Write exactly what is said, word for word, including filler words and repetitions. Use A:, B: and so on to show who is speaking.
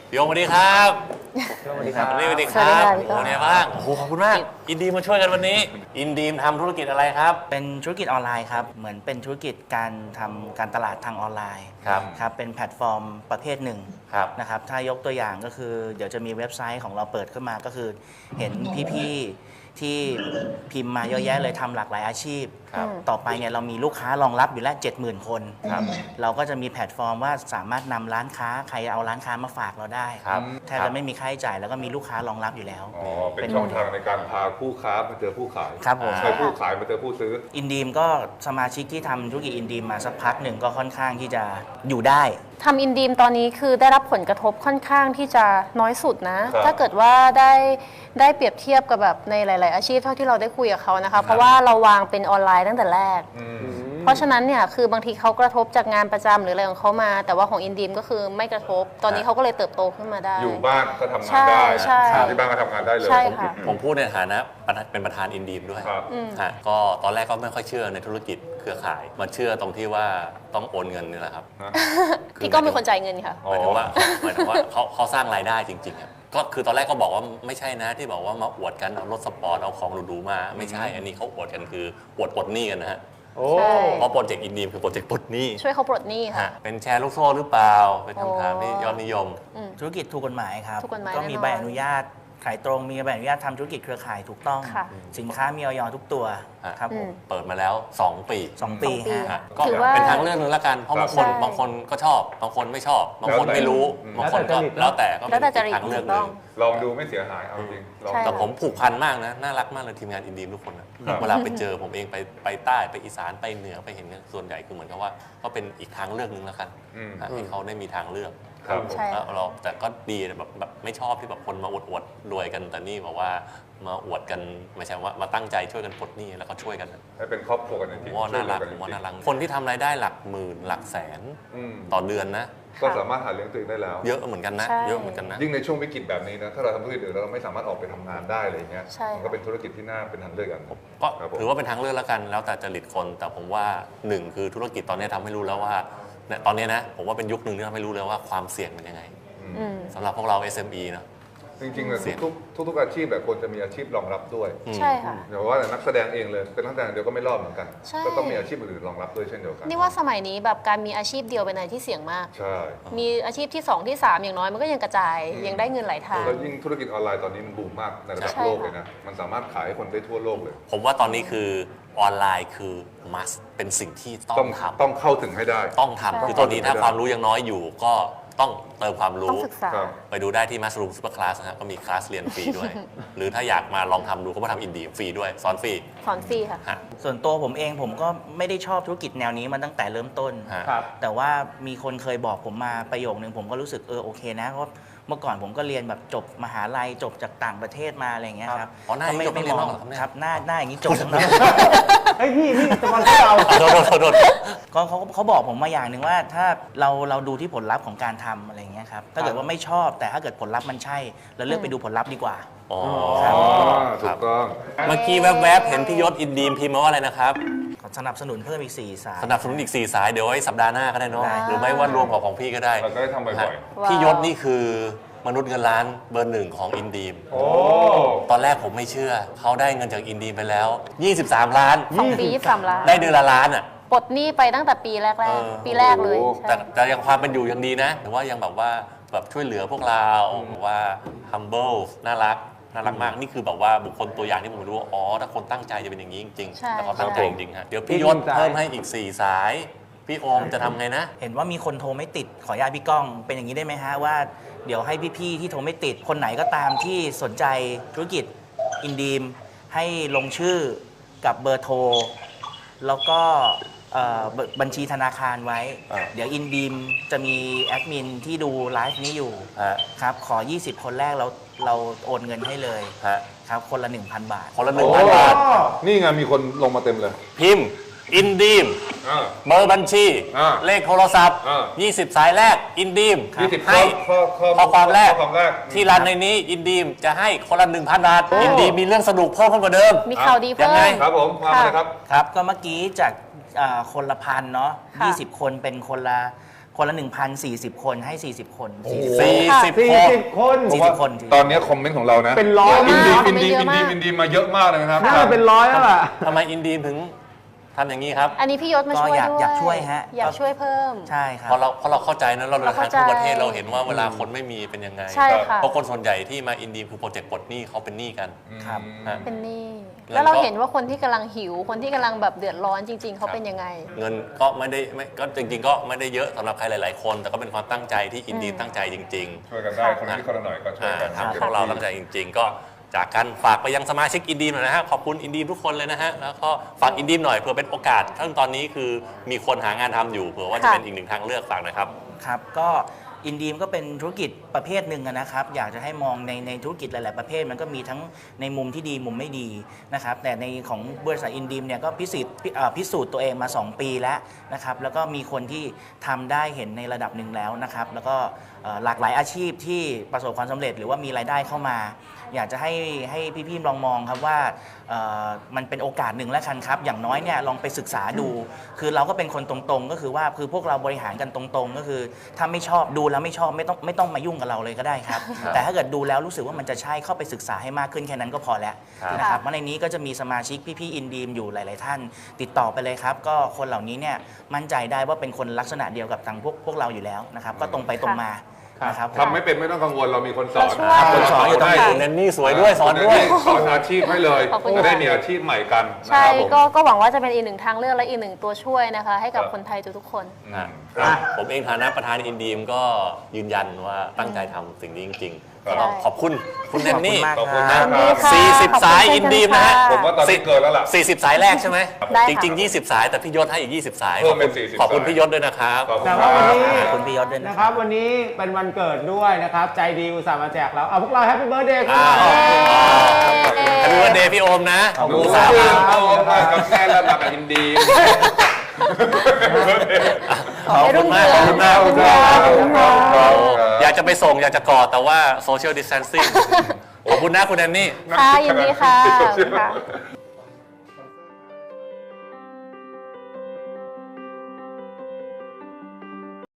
A: พี่โอมสวัสดีครับ
B: สวัสดีครับ
A: สวัสดีครับโอ้เนี่ยบ้างโอ้โหขอบคุณมากอินดีมมาช่วยกันวันนี้อินดีมทำธุรกิจอะไรครับ
B: เป็นธุรกิจออนไลน์ครับเหมือนเป็นธุรกิจการทำการตลาดทางออนไลน์
A: ครับ
B: ครับเป็นแพลตฟอร์มประเภทหนึ่งนะครับถ้ายกตัวอย่างก็คือเดี๋ยวจะมีเว็บไซต์ของเราเปิดขึ้นมาก็คือเห็นพี่ๆที่พิมพ์มาเยอะแยะเลยทำหลากหลายอาชีพต่อไปเนี่ยเรามีลูกค้ารองรับอยู่แล้ว เจ็ดหมื่น คนเราก็จะมีแพลตฟอร์มว่าสามารถนำร้านค้าใครเอาร้านค้ามาฝากเราได้แทบจะไม่มีค่าใช้จ่ายแล้วก็มีลูกค้ารองรับอยู่แล้ว
C: อ๋อเป็นช่องทางในการพาผู้ค้ามาเจอผู้ขาย
B: ครับผม
C: ใช่ผู้ขายมาเจอผู้ซื้อ
B: อินดีมก็สมาชิกที่ทำธุรกิจอินดีมมาสักพักหนึ่งก็ค่อนข้างที่จะอยู่ได้
D: ทำอินดีมตอนนี้คือได้รับผลกระทบค่อนข้างที่จะน้อยสุดนะถ้าเกิดว่าได้ได้เปรียบเทียบกับแบบในหลายๆอาชีพเท่าที่เราได้คุยกับเขานะคะเพราะว่าเราวางเป็นออนไลน์ตั้งแต่แรกเพราะฉะนั้นเนี่ยคือบางทีเขากระทบจากงานประจำหรืออะไรของเขามาแต่ว่าของอินดีมก็คือไม่กระทบตอนนี้เขาก็เลยเติบโตขึ้นมาได้
C: อยู่บ้านก็ทำงานได้ที่บ้านก็ทำงานได้เลย
A: ผมพูดในฐานะเป็นประธานอินดีมด้วยก็ตอนแรกก็ไม่ค่อยเชื่อในธุรกิจเครือข่ายมาเชื่อตรงที่ว่าต้องโอนเงินนี่แหละครับ
D: พี่ก็เป็นคนจ่ายเงินค่ะ
A: หมายถึงว่าหมายถึงว่าเขาเขาสร้างรายได้จริงๆก็คือตอนแรกก็บอกว่าไม่ใช่นะที่บอกว่ามาอวดกันเอารถสปอร์ตเอาของหรูๆมาไม่ใช่อันนี้เขาอวดกันคืออวดปลดหนี้กันนะฮะเพราะโปรเจกต์อินดีมคือโปรเจกต์ปลดหนี้
D: ช่วยเขาปลดหนี้ค่ะ
A: เป็นแชร์ลูกโซ่หรือเปล่าเป็นคำถามที่ยอดนิยม
B: ธุรกิจถูกกฎหมายครับก็มีใบอนุญาตขายตรงมีใบอนุญาตทำธุรกิจเครือข่ายถูกต้องสินค้ามีออยทุกตัวครับผม
A: เปิดมาแล้วสองปี
B: สองปีฮะ
A: ก็เป็นทางเลือกนึงละกันเพราะบางคนบางคนก็ชอบบางคนไม่ชอบบางคนไม่รู้บางคนก็แล้วแต่ก็เป็นทางเลือกนึง
C: ลองดูไม่เสียหายเอาจริง
A: แต่ผมผูกพันมากนะน่ารักมากเลยทีมงานอินดีมทุกคนนะเวลาไปเจอผมเองไปไปใต้ไปอีสานไปเหนือไปเห็นส่วนใหญ่คือเหมือนกับว่าก็เป็นอีกทางเลือกนึงละกันให้เขาได้มีทางเลือกแล้วเราแต่ก็ดีแบบแบบไม่ชอบที่แบบคนมาอวดอวดรวยกันแต่นี่บอกว่ามาอวดกันไม่ใช่ว่ามาตั้งใจช่วยกันปลดหนี้แล้วก็ช่วยกัน
C: ให้เป็นครอบครัวกันจริง
A: ๆว่าน่ารักผมว่าน่ารักคนที่ทำรายได้หลักหมื่นหลักแสนต่อเดือนนะ
C: ก็สามารถหาเลี้ยงตัวเองได้แล้ว
A: เยอะเหมือนกันนะเยอะเหมือนกันนะ
C: ยิ่งในช่วงวิกฤตแบบนี้นะถ้าเราทำธุรกิจอื่นแล้วเราไม่สามารถออกไปทำงานได้อะไรเงี้ยมันก็เป็นธุรกิจที่น่าเป็นทางเลือกกัน
A: ก็ถือว่าเป็นทางเลือกแล้วกันแล้วแต่จริตคนแต่ผมว่าหนึ่งคือธุรกิจตอนนี้ทำให้รู้แล้วว่าตอนนี้นะผมว่าเป็นยุคหนึ่งที่ทำให้รู้เลยว่าความเสี่ยงเป็นยังไงสำหรับพวกเรา เอส เอ็ม อี เนาะ
C: จริงๆเลยทุกทุกอาชีพแบบควรจะมีอาชีพรองรับด้วย
D: ใช่ค่ะ
C: เดี๋ยวว่าแต่นักแสดงเองเลยเป็นนักแสดงเดียวก็ไม่รอดเหมือนกันก็ต้องมีอาชีพอื่นรองรับด้วยเช่นเดียวกัน
D: นี่ว่าสมัยนี้แบบการมีอาชีพเดียวเป็นอะไรที่เสี่ยงมาก
C: ใช่
D: มีอาชีพที่สองที่สามอย่างน้อยมันก็ยังกระจายยังได้เงินหลายทาง
C: แล้วยิ่งธุรกิจออนไลน์ตอนนี้มันบูมมากในระดับโลกเลยนะมันสามารถขายให้คนได้ทั่วโลกเลย
A: ผมว่าตอนนี้คือออนไลน์คือ must เป็นสิ่งที่ต้องทำ
C: ต้องเข้าถึงให้ได้
A: ต้องทำคือตอนนี้ถ้าความรู้ยังน้อยอยู่ก็ต้องเติมความรู้ไปดูได้ที่ Mushroom Super Class นะครับก็มีคลาสเรียนฟรีด้วย หรือถ้าอยากมาลองทำดูก็มาทำอินดีฟรีด้วยสอนฟรี
D: สอนฟรีค่ะ
B: ส่วนตัวผมเองผมก็ไม่ได้ชอบธุรกิจแนวนี้มาตั้งแต่เริ่มต้นแต่ว่ามีคนเคยบอกผมมาประโยคนึงผมก็รู้สึกเออโอเคนะเพราะเมื่อก่อนผมก็เรียนแบบจบมหาลัยจบจากต่างประเทศมาอะไรอย่างเงี้ยครับ
A: อ๋อหน้า
B: ไม่
A: ไม่มอง
B: ครับหน้าหน้าอย่างนี้จบทั้งนั้น
E: ไอ้พี่พี่จะมาเรา
A: โดนโดน
B: ก็เขาเขาบอกผมมาอย่างหนึ่งว่าถ้าเราเราดูที่ผลลัพธ์ของการทำอะไรอย่างเงี้ยครับถ้าเกิดว่าไม่ชอบแต่ถ้าเกิดผลลัพธ์มันใช่เราเลือกไปดูผลลัพธ์ดีกว่า
A: อ๋อ
C: ถูกต้อง
A: เมื่อกี้แวบๆเห็นพี่ยศอินดีมพิมพ์มาว่าอะไรนะครับ
B: สนับสนุนเพิ่มอีกสี่สาย
A: สนับสนุนอีกสี่สายเดี๋ยวไว้สัปดาห์หน้าก็ได้เนาะหรือไม่ว่ารวมกับของพี่ก็ได้
C: เราก็ได้ทำบ่อย
A: ๆพี่ยศนี่คือมนุษย์เงินล้านเบอร์หนึ่งของอินดีมตอนแรกผมไม่เชื่อเขาได้เงินจากอินดีมไปแล้วยี่สิบสามล้าน
D: สองปียี่สิบสามล้าน
A: ได้เดือนละล้านอ่ะ
D: ปลดหนี้ไปตั้งแต่ปีแรกๆปีแรกเลย
A: แต่แต่ยังความเป็นอยู่ยังดีนะแต่ว่ายังแบบว่าแบบช่วยเหลือพวกเราว่า humble น่ารักน่ารักมากนี่คือแบบว่าบุคคลตัวอย่างที่ผมรู้ว่าอ๋อถ้าคนตั้งใจจะเป็นอย่างนี้จริงๆแต่เขาตั้งใจจริงๆฮะเดี๋ยวพี่ยศเพิ่มให้อีกสี่สายพี่โอมจะทำไงนะ
B: เห็นว่ามีคนโทรไม่ติดขออนุญาตพี่ก้องเป็นอย่างนี้ได้ไหมฮะว่าเดี๋ยวให้พี่ๆที่โทรไม่ติดคนไหนก็ตามที่สนใจธุรกิจอินดีมให้ลงชื่อกับเบอร์โทรแล้วก็บัญชีธนาคารไว้เดี๋ยวอินดีมจะมีแอดมินที่ดูไลฟ์นี้อยู่ครับขอยี่สิบคนแรกเราเราโอนเงินให้เลยครับคนละ หนึ่งพัน บาท
A: คนละ หนึ่งพัน บาท
C: นี่ไงมีคนลงมาเต็มเลย
A: พิมพ์อินดีมเบอร์บัญชีเลขโทรศัพท์ยี่สิบสายแรกอินดีมให้ข้อความแรกที่รันในนี้อินดีมจะให้คนละ หนึ่งพัน บาทอินดีมมีเรื่องสนุกเพิ่มขึ้นกว่าเดิม
D: มีข่าวดีเพิ่ม
C: ครับผมมาเลยครับ
B: ครับก็เมื่อกี้จากคนละพันเนาะยี่สิบคนเป็นคนละคนละ หนึ่งพันสี่สิบ คนให้ สี่สิบ คนสี่สิบ
A: สี่สิบ
E: สี่
A: คน
E: สิบคน
B: สี่สิบ คน
C: ตอนนี้คอมเมนต์ของเรานะ
E: เป็นร้อย
C: อินดี
D: มาก
C: อินดี
D: เย
C: อิ
D: อะ
C: น
D: มา
C: ดี
D: ก
C: อินดีมาเยอะมากเลยนะครับ
E: น่าจะเป็นร้อยแล้วล่ะ
A: ทำไมอินดีมถึงทำอย่างนี้ครับ
D: อันนี้พี่ยศมา
B: ก็
D: ช่วย
B: อยาก
D: ด้วย
B: อยากช่วยฮะ
D: อยากช่วยเพิ่ม
B: ใช่ครับ
A: เพราะเราเพราะเราเข้าใจนะเราเดินทาง
D: เราเข้าใจ
A: ทั่วประเทศเราเห็นว่าเวลาคนไม่มีเป็นยังไง
D: ใช่ค่ะ
A: เพราะคนส่วนใหญ่ที่มาอินดีมคือโปรเจกต์ปลดหนี้เขาเป็นหนี้กัน
B: ครับ
A: ฮะ
D: เป็นหนี้
A: แล้วก็
D: แล้วเราเห็นว่าคนที่กำลังหิว คนที่กำลังแบบเดือดร้อนจริง ๆ เขาเป็นยังไง
A: เงินก็ไม่ได้ไม่ก็จริง ๆ ก็ไม่ได้เยอะสำหรับใครหลาย ๆ คน แต่ก็เป็นความตั้งใจที่อินดีมตั้งใจจริง
C: ช่วยกันได้คนละนิดคนละหน่อยก็
A: ๆ
C: ช่วย
A: อ่า
C: กัน
A: ทำให้พวกเราตั้งใจจริง ๆ ก็จากกันฝากไปยังสมาชิกอินดีมหน่อยนะฮะขอบคุณอินดีมทุกคนเลยนะฮะแล้วก็ฝากอินดีมหน่อยเผื่อเป็นโอกาสทั้งตอนนี้คือมีคนหางานทำอยู่เผื่อว่าจะ
D: ค่ะ
A: เป็นอีกหนึ่งทางเลือกฝากหน่อยครับ
B: ครับก็อินดีมก็เป็นธุรกิจประเภทหนึ่งอะนะครับอยากจะให้มองในในธุรกิจหลาย ๆ ประเภทมันก็มีทั้งในมุมที่ดีมุมไม่ดีนะครับแต่ในของบริษัทอินดีมเนี่ยก็พิสูจน์พิเอ่อพิสูจน์ตัวเองมา สอง ปีแล้วนะครับแล้วก็มีคนที่ทำได้เห็นในระดับหนึ่งแล้วนะครับแล้วก็เอ่อหลากหลายอาชีพที่ประสบความสำเร็จหรือว่ามีรายได้เข้ามา อยากจะให้ให้พี่ๆลองมองครับว่าเอ่อมันเป็นโอกาสหนึ่งแล้วกันครับอย่างน้อยเนี่ยลองไปศึกษาดู คือเราก็เป็นคนตรงๆ ก็คือว่าคือพวกเราบริหารกันตรงๆ ก็คือถ้าไม่ชอบดูแล้วไม่ชอบไม่ต้องไม่ต้องมายุ่งกับเราเลยก็ได้ครับ แต่ถ้าเกิดดูแล้วรู้สึกว่ามันจะใช่เข้าไปศึกษาให้มากขึ้นแค่นั้นก็พอแล้ว
A: ครับ
B: นะครับเพราะในนี้ก็จะมีสมาชิกพี่ๆอินดีมอยู่หลายๆท่าน ติดต่อไปเลยครับ ก็คนเหล่านี้เนี่ยมั่นใจได้ว่าเป็นคนลักษณะเดียวกับทางพวกพวกเราอยู่แล้วนะครับก็ตรงไปตรงมานะครับ
C: ทำไม่เป็นไม่ต้องกังวลเรามีคนสอน
D: เราช่วย
B: คนสอนอยู่ตรงไหน
A: คุณแนนนี่สวยด้วยสอนด้วย
C: สอนอาชีพให้เลย
D: ขอบคุณ
C: จะได้
D: ค่ะ
C: มีอาชีพใหม่กันนะ
D: ใช่
C: ครับผม
D: ก็ก็หวังว่าจะเป็นอีกหนึ่งทางเลือกและอีกหนึ่งตัวช่วยนะคะ ให้กับ
C: ครับ
D: คนไทยทุกๆคน
A: อ่ะ
C: ครับ
A: ผมเองฐานะประธานอินดีมก็ยืนยันว่าตั้งใจทำสิ่งนี้จริงๆ
C: ครับ
A: ก็ต้องขอบคุณคุณแนนนี่
B: ขอบคุณ
C: ขอบคุณมากครับ
A: สี่สิบสายอินดีมนะฮะ
C: ผมว่าตอนนี้เกินแล้วล่ะ
A: สี่สิบสายแรกใช่ไหม
D: ได้
A: จ
D: ค่ะ
A: ริง ๆ ยี่สิบ สายแต่พี่ยศให้อีก ยี่สิบ สาย
C: เพิ่มเป็นสี่สิบ
A: ขอบคุณ
C: สาย
A: พี่ยศด้วยนะครับ
C: ขอบคุณ
E: แต่
C: ครั
E: ว่าวัน
C: บ
E: นี้
B: ขอบคุณพี่ยศด้วยนะ
E: นะ
B: ค
E: ครับ รับวันนี้เป็นวันเกิดด้วยนะครับ ใจดีอุตส่าห์มาแจกเราเอาพวกเราแฮปปี้เบิร์ดเดย์กันหน่อย
A: อ้าว แฮปปี้วันเดย์พี่โอมนะ
B: ขอบคุณ
C: ดู
A: สา
C: สาม
A: ม
C: โมมากับแม่แล้วมากับอินดี
A: ขอบคุณมากขอบคุณมาก
C: ขอบคุณครับ
D: ขอบคุณครับ
A: อยากจะไปส่งอยากจะกอดแต่ว่าโซเชียลดิสแทนซิ่งขอบคุณนะคุณแนนนี่
D: ค่ะยินดีค่ะขอบคุณค่ะ